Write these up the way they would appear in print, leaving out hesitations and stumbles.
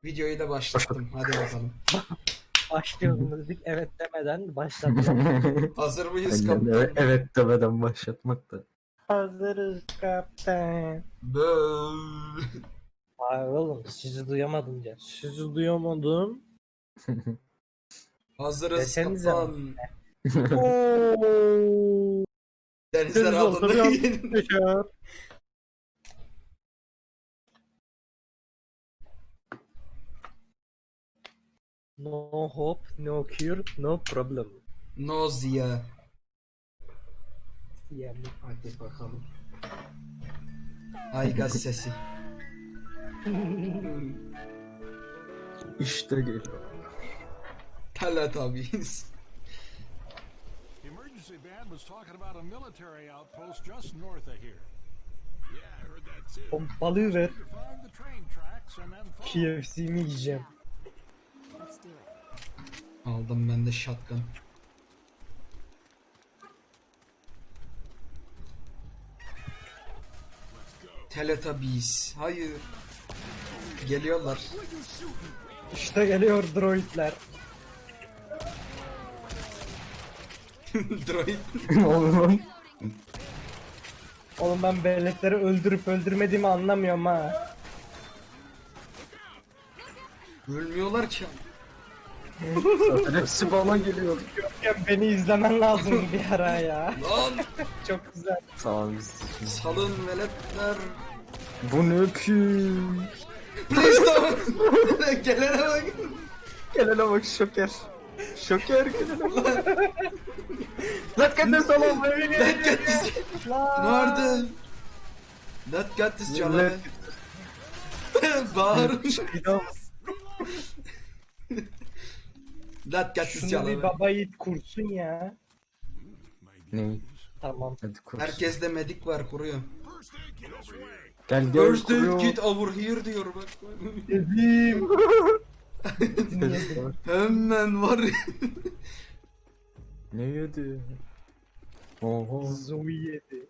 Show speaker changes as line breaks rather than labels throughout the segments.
Videoyu da başlattım. Hadi bakalım.
Başlayalım dedik. Evet demeden başladık.
Hazır mıyız
Aynen,
kaptan?
evet demeden başlatmak da.
Hazırız kaptan.
Böööö.
Hayır oğlum sizi duyamadım ya. Sizi duyamadım.
Hazırız
Desenize
kaptan.
Ooo.
Denizler
Deniz
altında
ortamı
yeni.
Yaşar. No hope, no cure, no problem.
Nozya.
Yani
Hadi bakalım. Ay gaz sesi.
İşte geliyor.
Teletubbies.
The emergency band was talking about a military outpost just north of here. Yeah, I heard that too.
pompalı ver.
To find the train tracks and then follow.
KFC'mi yiyeceğim.
Let's do it.
Aldım ben de shotgun. Teletubbies. Hayır. Geliyorlar.
İşte geliyor droidler.
Droid.
Oğlum.
Oğlum ben bellekleri öldürüp öldürmediğimi anlamıyorum ha.
Ölmüyorlar ki.
Zaten hepsi bana geliyor.
Ya beni izlemen lazım bir ara ya.
Lan
Çok güzel.
Tamam biz.
salın veletler.
Bu ne ki?
Please don't. Gelene bak.
Gelene bak şoker. Şoker gelene bak. Let's get this all over.
Let get this. Nerede? Let get this canı. Bağır. Let get this
Şunu bir
canı.
baba yiğit kursun ya.
Ne?
Tamam.
Hadi kur.
Herkeste medik var kuruyor.
Gel gel
First aid
kuruyor.
kit over here diyor bak.
Dedim.
Hemen var.
Ne yedi? Oho.
Zoe yedi.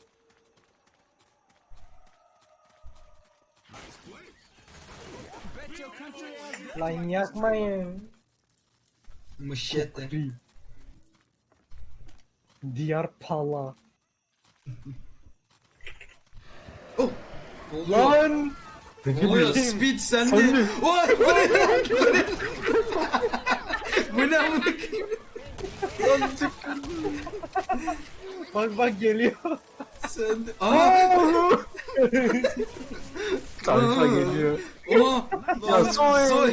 Lan yakmayın.
Mışete.
Diyar pala.
Oh. Ne oluyor?
Lan.
Ne oluyor? Speed sende. Vay bu ne? Bu ne? Bu ne amına koyayım?
Bak bak geliyor.
Sende. Aa!
Tayfa geliyor.
Aa!
Ya
Soy.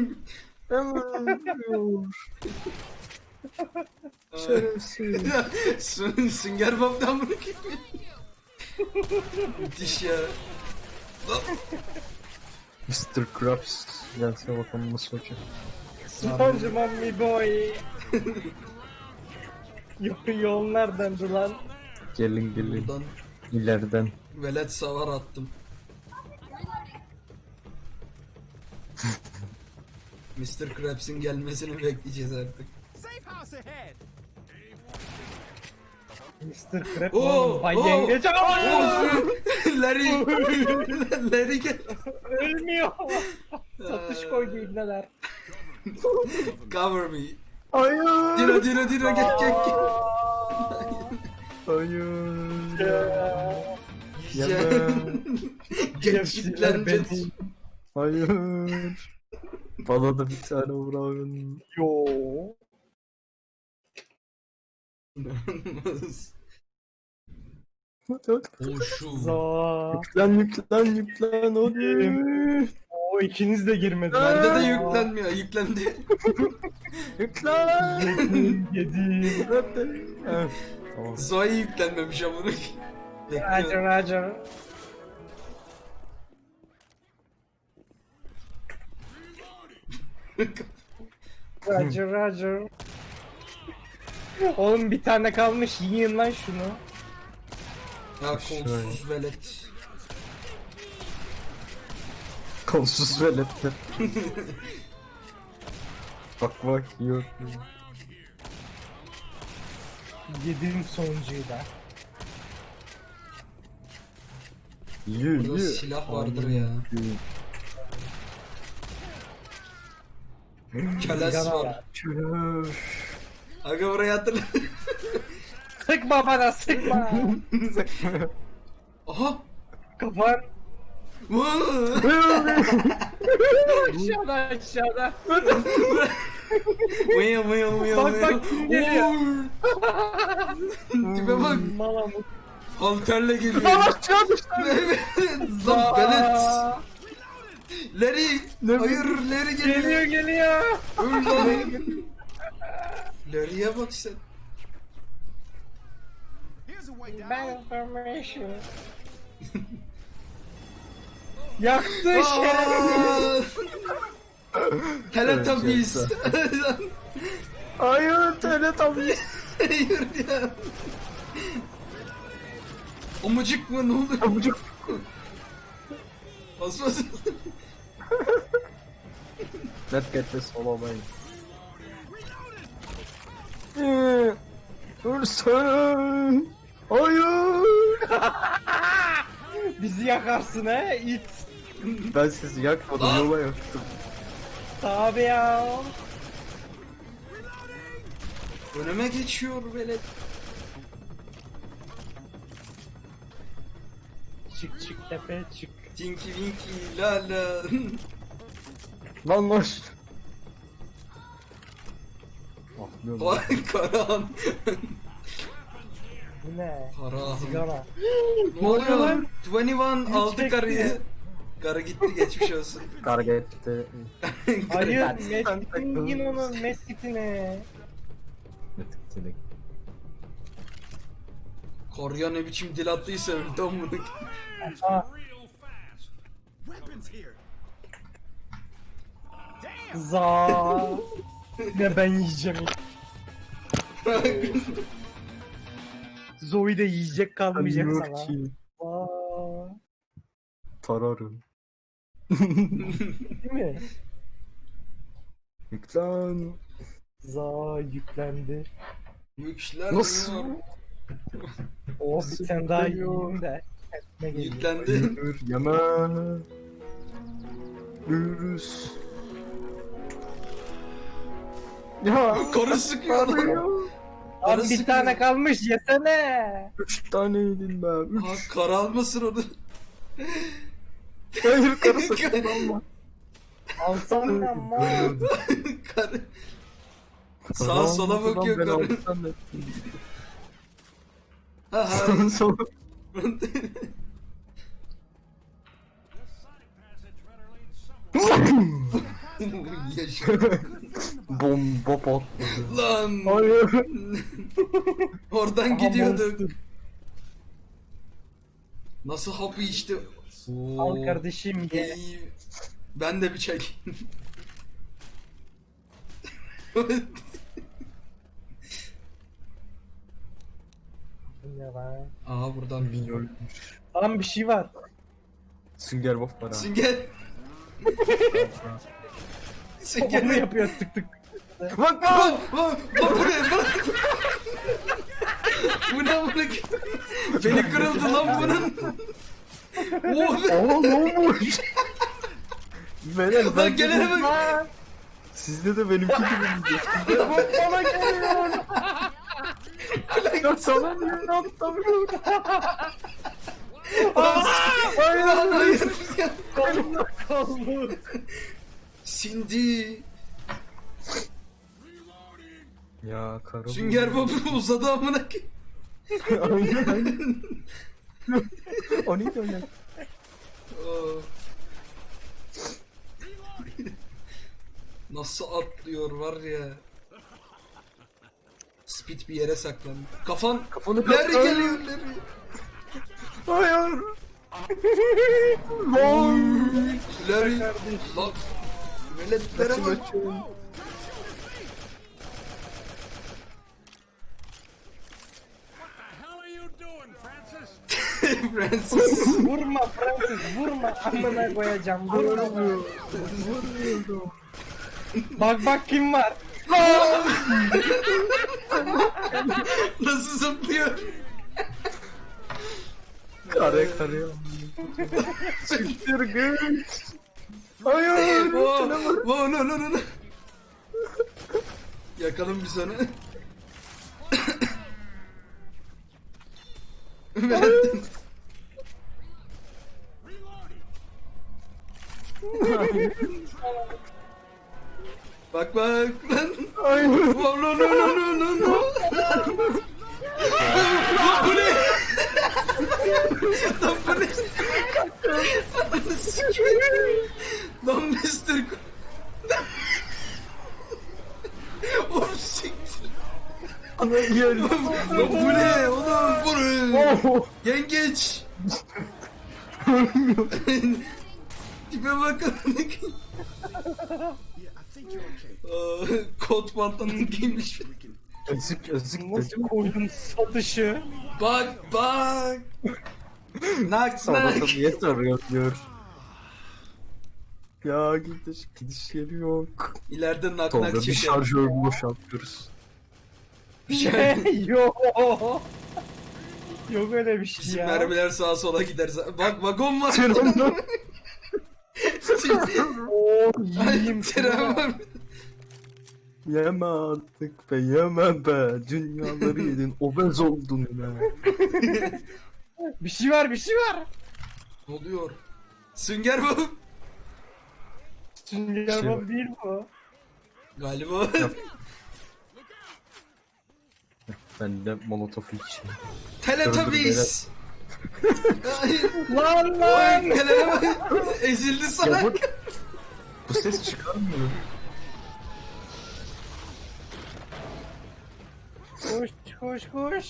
Şerefsiz.
Sünger Bob'dan bunu gibi. Müthiş ya. Lan.
Mr. Krabs. Gelse bakalım nasıl olacak.
SpongeBob mi boy. Yol neredendi lan?
Gelin gelin.
Buradan
İleriden.
velet savar attım. Mr. Krabs'in gelmesini bekleyeceğiz artık.
Safe house ahead.
Mr. Crab
Oo,
oğlum Bay
oo,
Yengeç.
Larry. Larry gel.
Ölmüyor. Satış koydu ibneler.
Cover me.
Hayır.
Dino gel.
Hayır.
Yiyeceğim.
KFC'ler
Geç
beni.
Hayır. Bana da bir tane bırakın.
Yo.
Oşu.
Za.
Yüklen hadi.
O ikiniz de girmedi.
Bende de yüklenmiyor. Yüklendi.
Yüklen.
Yedim.
Hadi. Evet. Tamam.
Zoe yüklenmemiş amına.
Roger Roger. Roger Roger. Oğlum bir tane kalmış yiyin lan şunu.
Ya kolsuz velet.
Kolsuz veletler. bak yok.
Yedim sonuncuyu da.
Yü
Burada silah vardır ya. Köles
Sigara
var.
var.
Aga burayı hatırla.
Sıkma bana sıkma.
Aha.
Kafan
Vaa!
aşağıda aşağıda.
Mıya mıya mıya
Bak,
mıya.
bak, kim geliyor?
Tipe bak.
Malamut.
Halterle geliyor.
Aşağı düştü.
Evet. Zampelet.
Aa,
Larry. Hayır Larry geliyor.
geliyor.
Öl lan. Larry'e bak sen.
Here's a way down.
Ben information. Yaktı şerefsiz.
Teletubbies.
Hayır Teletubbies.
Hayır ya. Amacık mı ne olur?
Amcık.
Bas bas.
Let's get this solo man. Ölsene. Hayır.
Bizi yakarsın he it.
Ben sizi yakmadım, yola yaktım.
Tabi ya.
Önüme geçiyor böyle.
Çık çık tepe çık.
Tinky Winky la la.
Lan lan. Ah ne oldu?
Vay Karahan.
Bu ne?
Karahan.
Sigara.
Ne oluyor lan? 21
Hiç
aldı
bekle.
karıyı. Karı gitti geçmiş olsun.
Karga etti.
Hayır
Ben
Metin
takıldım.
onun Metin'e.
Metin.
Korya ne biçim dil attıysa öldü amına.
Aa,
Real fast. Weapons here.
za. Ne ben yiyeceğim. Zoe de yiyecek kalmayacak sana. Aa,
Tararım.
değil mi?
Yüklen.
Za yüklendi.
Yükler
Nasıl?
Oh bir tane daha
yükleniyor?
yiyeyim de. Ne geliyor?
Yüklendi.
Hayır yeme. Virüs. Ya.
Karı sıkıyor lan.
Abi
Karı
bir
sıkıyor.
tane kalmış yesene.
3 tane yedim ben. 3.
Ha, karı almasın onu.
Hayır karı sakın alma.
Alsana ama.
Karı. Sağa sola bakıyor
Ben
karı.
alsam da.
Ha ha.
Sağa sola.
This sonic passage better lead somewhere.
Yaşa.
Bomba patladı.
Lan.
Hayır.
Oradan
Aha,
gidiyorduk.
monster.
Nasıl hapı içti?
Al kardeşim ye.
İyi. Ben de bir çek.
Ne lan?
Aha buradan
Minyonmuş.
Lan bir şey var.
Sünger Bob var ha.
Sünger.
O
Sünger
mu yapıyor tık tık.
Bak
Bak bak bak buraya bak. Bu ne amına? Beni kırıldı lan bunun. Oh be.
Aa ne olmuş? Beyler
Lan
ben
gelene bak.
Sizde de benimki gibi mi?
Bana geliyor.
Ya sana niye atlamıyorum?
Hayır hayır.
Kaldı.
Sindi.
Ya karı.
Sünger Bob uzadı amına.
Aynen aynen. O neydi o ya?
Oh. Nasıl atlıyor var ya. Speed bir yere saklandı.
Kafanı
Larry
kap-
geliyor Larry.
Hayır. Lan.
Larry. Lan. Veletlere
Kaçın
bak.
kaçın.
The hell are you doing, Francis?
Francis.
Vurma Francis vurma. Amına koyacağım vurma. Bak bak kim var.
Nasıl zıplıyor?
Kare. Siktir git. Hayır.
Oh, oh, no, no, no, no. Yakalım bir sonra. Bak bak lan.
Ay.
No no no no no no no. Lan bu ne? Lan bu ne? Ananı sikeyim. Lan Mr. Oğlum siktir.
Ana gel.
Lan bu ne oğlum bu ne?
Oh.
Yengeç. Tipe bakın. Kot pantolon giymiş.
Özük özük
Nasıl
özük.
koydun satışı?
Bak bak. Nak
Sana da
nak.
niye soruyor diyor. Ya gidiş yeri yok.
İleride nak
Tolga
nak
bir
çeker.
şarjör boşaltıyoruz.
Bir şey.
Yok. Yok öyle bir şey
Bizim
ya.
mermiler sağa sola gider. Bak vagon var.
Tren
Oo
Ay,
yiyeyim
tren var.
Yeme artık be yeme be. Dünyaları yedin obez oldun be.
Bir şey var bir şey var.
Ne oluyor? Sünger bu.
Sünger
Şey
Bob
var.
değil bu.
Galiba.
Ben de molotof içeyim.
Teletubbies. Ay,
Lan
Oy
lan.
nelere bak. Ezildi
Ya
sana.
bu ses çıkarmıyor.
Koş koş koş.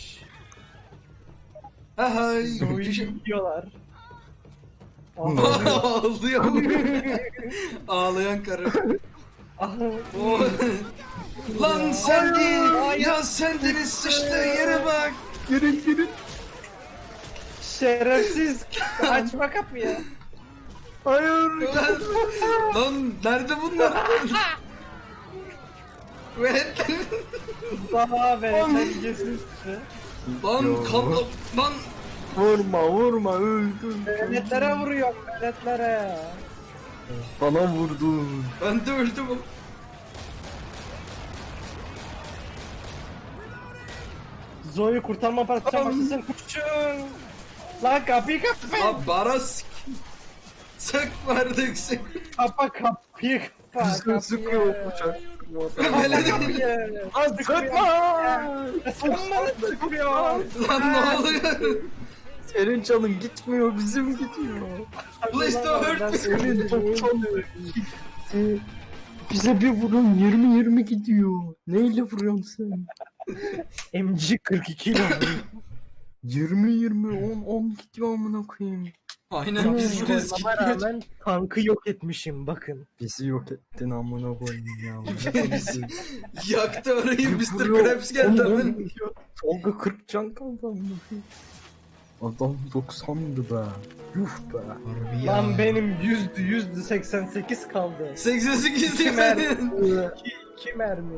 Ay.
Zoe'yi yiyorlar.
Ağlıyor. Ağlayan karı.
Ah,
O- Lan sen değil. Ya sen deniz sıçtığı yere bak.
Girin.
Şerefsiz. Açma kapıyı.
Hayır.
Lan nerede bunlar? Evet.
Daha be terbiyesiz.
Lan
Yo.
kablo. Lan.
Vurma öldüm.
Meletlere vuruyor meletlere.
Bana vurdun.
Ben de öldüm.
Zoe'yi kurtarma parçası başlasın kurşun. Lan kapıyı kapa.
Lan baras. Sık vardık sık.
Kapa kapıyı kapa.
Bize sıkıyor uçak.
Öyle değil.
Kapıyı.
Lan sıkma.
Sıkma sıkıyor.
Lan ne oluyor?
Senin canın gitmiyor bizim gidiyor.
Please don't hurt me.
Senin top çalıyor. Gitti. Bize bir vurun 20-20 gidiyor. Neyle vuruyorsun sen?
MG42 ile vuruyor.
20-20 10 gidiyor amına koyayım.
Aynen biz vuruyoruz.
Ama rağmen tankı yok etmişim bakın.
Bizi yok ettin amına koyayım ya.
Yaktı orayı Mr.
Vuruyor,
Krabs geldi
on
hemen.
gidiyor. Tolga 40 can kaldı amına koyayım. Adam 90'dı be. Yuh be.
Lan benim yüzdü 88 kaldı.
88
İki
değil
mermi.
mi?
2 mermi.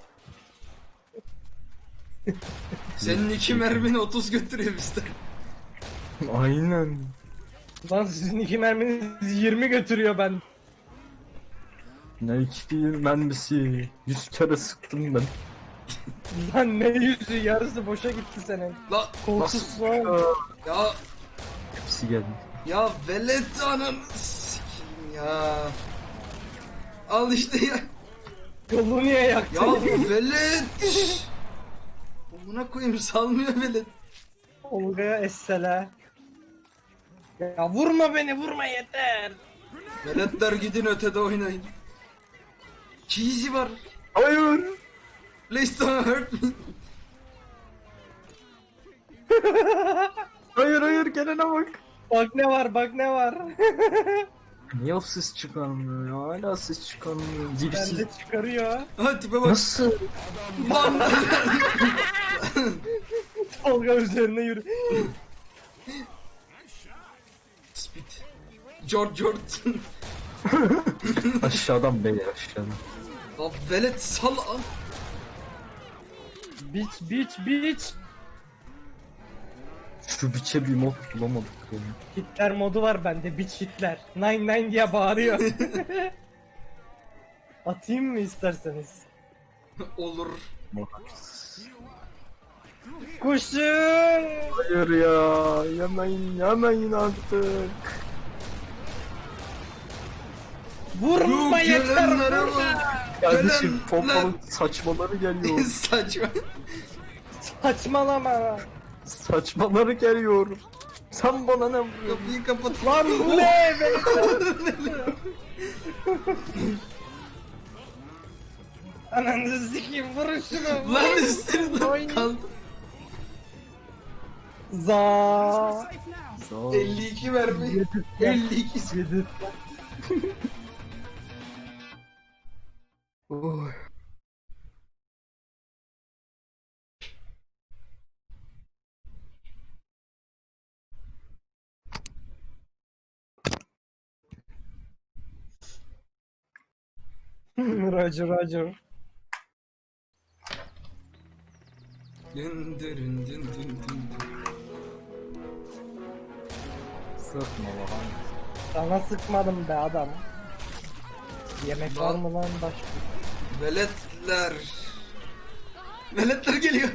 Senin 2 mermini 30 götürüyor Mr.
Aynen.
Lan sizin 2 merminiz 20 götürüyor ben.
Ne iki mermisi. 100 kere sıktım ben.
Lan ne yüzü yarısı boşa gitti senin.
La
Kolsuz lan.
ya
Hepsi geldi.
ya velet anam sikeyim ya. Al işte ya.
Yolu niye yaktın?
Ya velet. Buna koyayım salmıyor velet.
Olga'ya essela. Ya vurma beni vurma yeter.
Veletler gidin ötede oynayın. Cheesy var.
Hayır.
Please don't hurt me.
Hayır gelene bak.
Bak ne var bak ne var.
Niye o ses çıkarmıyor ya? Hala ses çıkarmıyor. Dipsiz.
Bende çıkarıyor.
Ha tipe bak.
Nasıl?
Lan.
Olga üzerine yürü.
Speed. George.
Aşağıdan beyler aşağıdan.
Lan velet sal.
Biç.
Şu biçe bir mod bulamadık ya.
Hitler modu var bende. Biç Hitler. 99 diye bağırıyor. Atayım mı isterseniz?
Olur.
Kuşum.
Hayır ya. Yemeyin artık.
Vurma
Yok,
yeter
gelenlere
vurma.
bak.
Kardeşim
Gelenler-
pompalı saçmaları geliyor.
Saçma.
Saçmalama.
Saçmaları geliyor. Sen bana ne vuruyorsun?
Kapıyı kapat.
Lan bu ne? Ananı sikeyim vurun şunu.
Lan üstüne kaldı.
Za.
52 vermeyi. 52.
Oy.
Roger Roger.
Dün dün dün dün dün dün.
Sıkma lan.
Sana sıkmadım be adam. Yemek var mı lan başka?
Veletler. Veletler geliyor.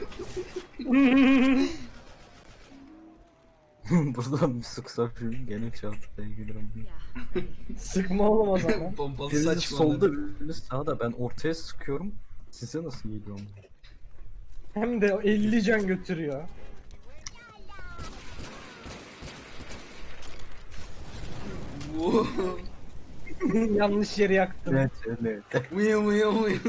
Buradan bir sıksa gene çantaya giderim.
Sıkma oğlum o zaman.
Pompalı
Biriniz
saçma.
solda biriniz sağda, ben ortaya sıkıyorum. Size nasıl geliyor?
Hem de 50 can götürüyor. Yanlış yeri yaktım.
Evet evet.
Uyu uyu uyu.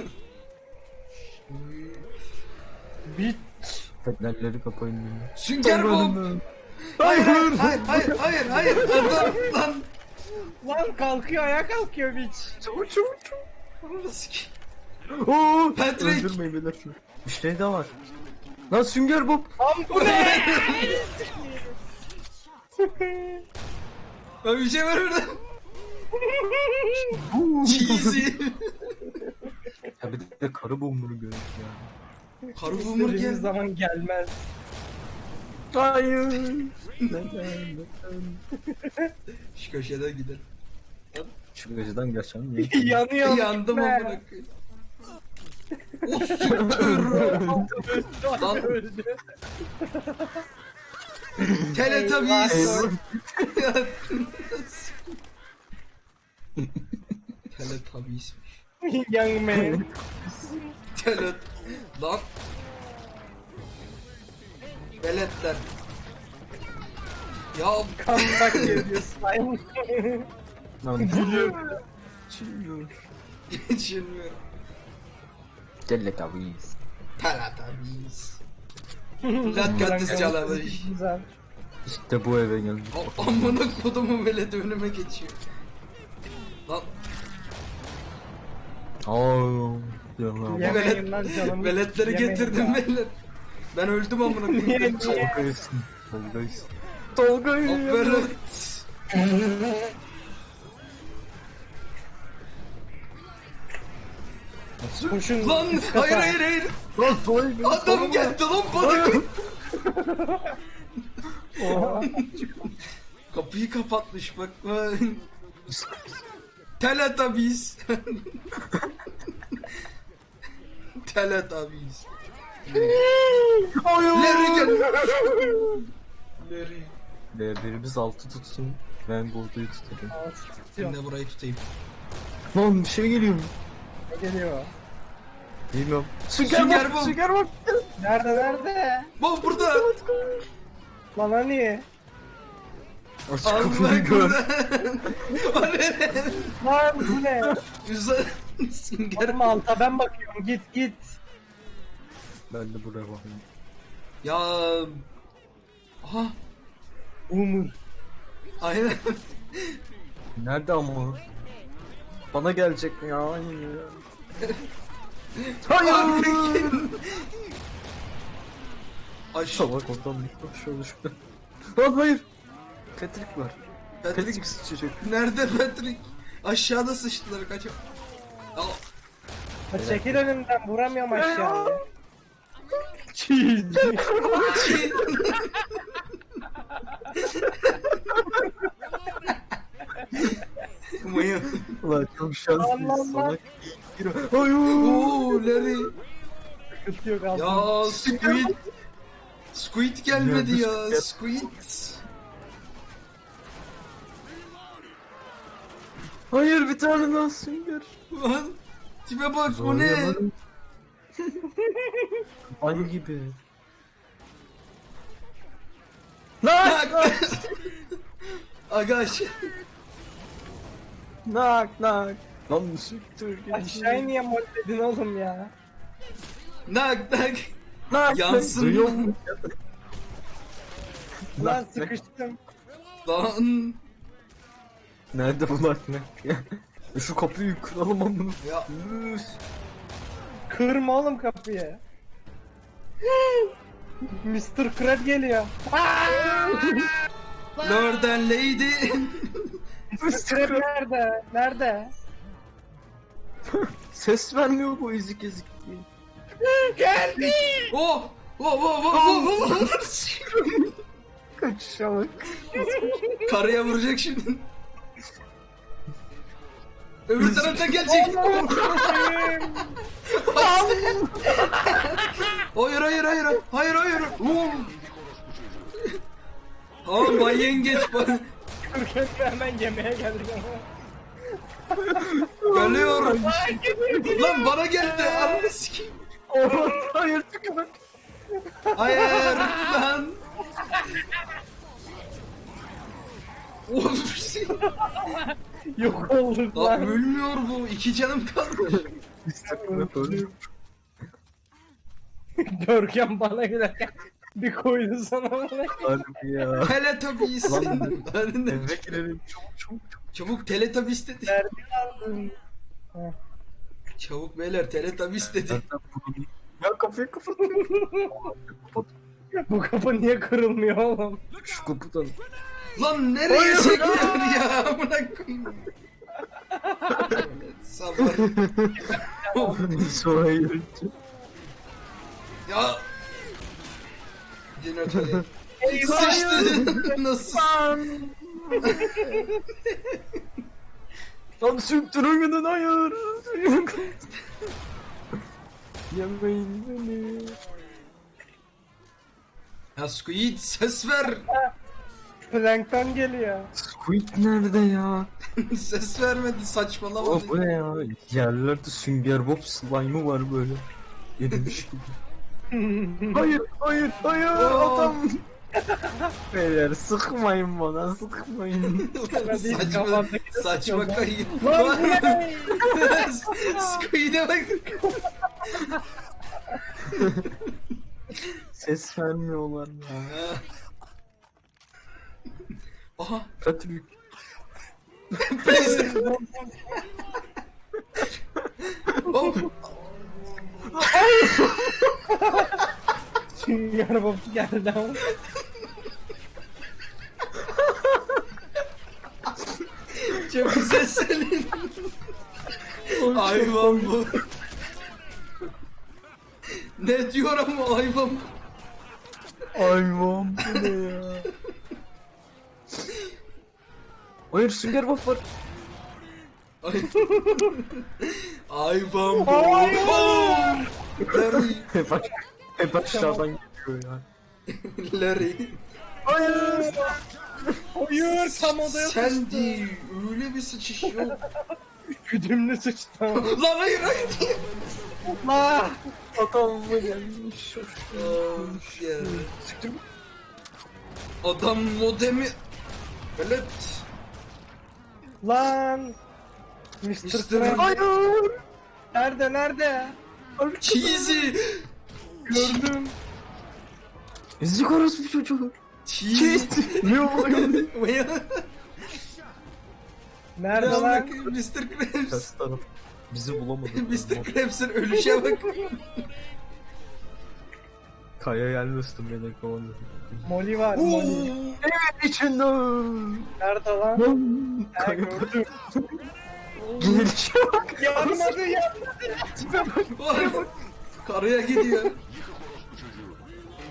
Bitch.
Fenerleri kapayın.
Sünger Bob. Hayır hayır hayır hayır hayır. Adam lan.
Lan kalkıyor ayağa kalkıyor bitch.
Çabuk çabuk çabuk.
Ananı sikeyim.
Oo,
Patrick.
öldürmeyin beyler. Bir şey daha var. Lan Sünger Bob.
Lan bu ne?
Ben bir şey var orada. Cheesy.
Ya bir de karı bombunu görüyoruz ya.
Karı bumur
İstediğimiz
geldi.
zaman gelmez.
Hayır. Neden?
Şu köşeden gidelim.
Şu geceden geçen niye?
Yanıyor.
Yandım
gitme.
amına koyayım. O sütür. Lan.
Öldü.
Teletubbies.
Eyvah.
Teletubbies'miş.
Young man.
Telet. Lan. Veletler. Ya
Comeback geliyor slime.
Lan
Gülüyor.
çılıyor.
geçilmiyor.
Teletubbies.
Teletubbies. Latkatis calamış.
Güzel.
İşte bu eve geldim.
Amına kodumu velet önüme geçiyor. Lan.
Aa, yalan.
Yemeyin lan canım.
Veletleri
Yemeyin
getirdim
ya.
velet. Ben öldüm amına
Niye,
koyayım.
niye?
Tolga'ysın. Tolga'ysın. Tolga'yı.
Velet.
Koşun.
Lan
üst kata.
hayır hayır hayır.
Lan Tolga.
Adam geldi lan bana.
Oha.
Kapıyı kapatmış bak. Teletubbies. Teletubbies. Larry gel. Larry.
Birimiz altı tutsun. Ben Bordo'yu tutarım.
Ben de burayı tutayım.
Lan bir şey geliyor.
Ne geliyor?
Bilmiyorum.
Sünger Bob.
Sünger Bob.
Nerede?
Bak burada.
Lan hani?
Aç
Allah
kapıyı gör.
burada. O ne?
Lan bu ne?
Güzel. Sünger
Oğlum alta ben bakıyorum git.
Ben de buraya bakayım.
Ya. Aha.
Umur.
Aynen.
Nerede ama? Bana gelecek ya. Hayır.
Aşağı.
Salak oradan şöyle düştü. Lan hayır. Patrick var.
Patrick.
Patrick sıçacak.
Nerede Patrick? Aşağıda sıçtılar kaç. Al.
Ha, çekil önümden vuramıyorum aşağıya.
Mıyım?
Ulan çok şanslıyız
Allah.
salak. Hayır.
Oo Larry.
Sıkıntı yok aldım.
Ya Squid. Squid gelmedi
Ya,
ya. Squid.
Hayır bir tane daha sünger.
Lan. Tipe bak bu ne?
Aynı gibi.
Nak. Agaş.
Nak nak. Lan siktir git.
Aşağıya niye molledin oğlum ya?
Nak nak.
Nak.
Yansın.
Duyuyor musun?
Lan sıkıştım.
Lan.
Nerede bu nak nak? Şu kapıyı kıralım amına.
Ya.
Kırma oğlum kapıyı. Mr. Krab geliyor.
Lord and Lady.
Mr. Krab nerede? Nerede?
Ses vermiyor bu ezik ezik diye.
Geldi.
Oh. Oh oh oh oh oh.
Kaçışa bak.
Karaya vuracak şimdi. Öbür taraftan gelecek. Hayır hayır hayır hayır hayır. Tamam Bay Yengeç bana
Krab'ı hemen yemeğe geldik ama.
geliyor. Lan bana geldi. Ananı sikeyim.
Hayır tükürük.
Hayır lan. Olur.
Yok olduk
Lan
lan.
ölmüyor bu. 2 canım kalmış.
Görkem bana gülerken bir koydu sana bana.
Harbi ya.
Teletubbies.
Lan
Önünde.
eve girelim çabuk çabuk çabuk.
Çabuk Teletubbies dedi.
Nerede kaldın?
Çabuk beyler Teletubbies dedi.
Zaten bunu... Ya kapıyı kapat. Kapat.
Bu kapı niye kırılmıyor oğlum?
Şu kapıdan.
Lan nereye çekiyor ya? Amına koyayım. Sabah.
Sonra yürüyünce.
Ya. Jeneratör. Sıçtı. Nasıl?
Lan sürttürün gidin hayır. Yemeyin beni.
Ya Squid ses ver.
Plankton geliyor.
Squid nerede ya?
Ses vermedi saçmalama.
O bu ne ya? Yerlerde sünger bob slime'ı var böyle. Yedirmiş gibi. Hayır hayır hayır
Oo.
adam. Beyler sıkmayın bana sıkmayın.
Saçma, saçma kayıp.
Lan bu ne?
Squid'e bak.
Ses vermiyorlar ya.
Aha.
Patrick.
Oh.
Sünger Bob geldi ama.
Çok güzel söyledin. Hayvan bu. Ne diyor ama hayvan.
Hayvan bu ne ya? Hayır sünger bob var.
Ay. Hayvan bu. Oh! Larry.
Hep aşağıdan geliyor ya.
Larry.
Hayır.
Hayır tam odaya
Sen değil. Öyle bir sıçış yok.
güdümlü sıçtı.
Lan hayır hayır.
La.
Adam mı gelmiş?
Of ya. Adam modemi. Evet.
Lan. Mr.
Mr.
Krab.
Hayır.
Nerede nerede?
Cheesy.
Gördüm.
Ezik orası bir çocuğu.
Cheesy.
Ne oluyor?
Nerede
Ya
lan?
bak Mr. Krabs.
Ters taraf. Bizi bulamadı.
Mr. Krabs'ın ölüşe bak.
Kaya gelmesin beni kovalım.
Molly var
Oo.
Molly.
İçinde.
Nerede lan?
Kaya
Gördüm.
gelişe bak.
Yanmadı yanmadı.
Vay bak. Karaya gidiyor.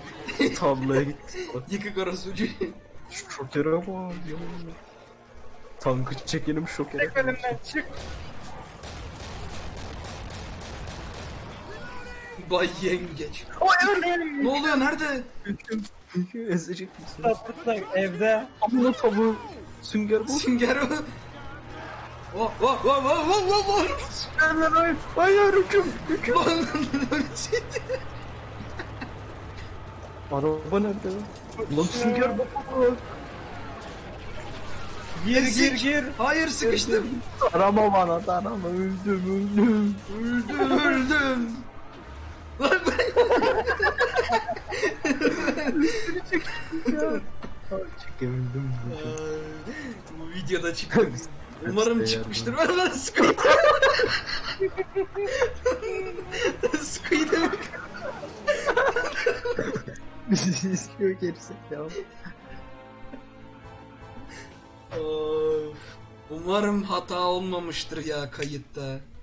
Tarlaya gitti.
Yıkık orası ucu.
Şu çokere bak ya. Tankı çekelim şok
Çık
eder.
önümden çık.
Bay yengeç.
Hayır.
Ne oluyor, nerede?
Ezecek misin?
Burada evde.
Amına tavuğu. Sünger Bob.
Sünger o. Oh oh oh oh oh oh oh.
Hayır. Hayır hüküm. Hüküm.
Lan,
Araba nerede lan? Lan Sünger Bob.
Gir.
Hayır, sıkıştım.
Arama bana arama. Öldüm.
Öldüm. Lan ben...
Çekebildim.
Bu videoda çıktı. Umarım
Hepsi
çıkmıştır. Ver lan Squid. Squid'e bak.
Bizi istiyor gerisi ya.
Of. Umarım hata olmamıştır ya kayıtta.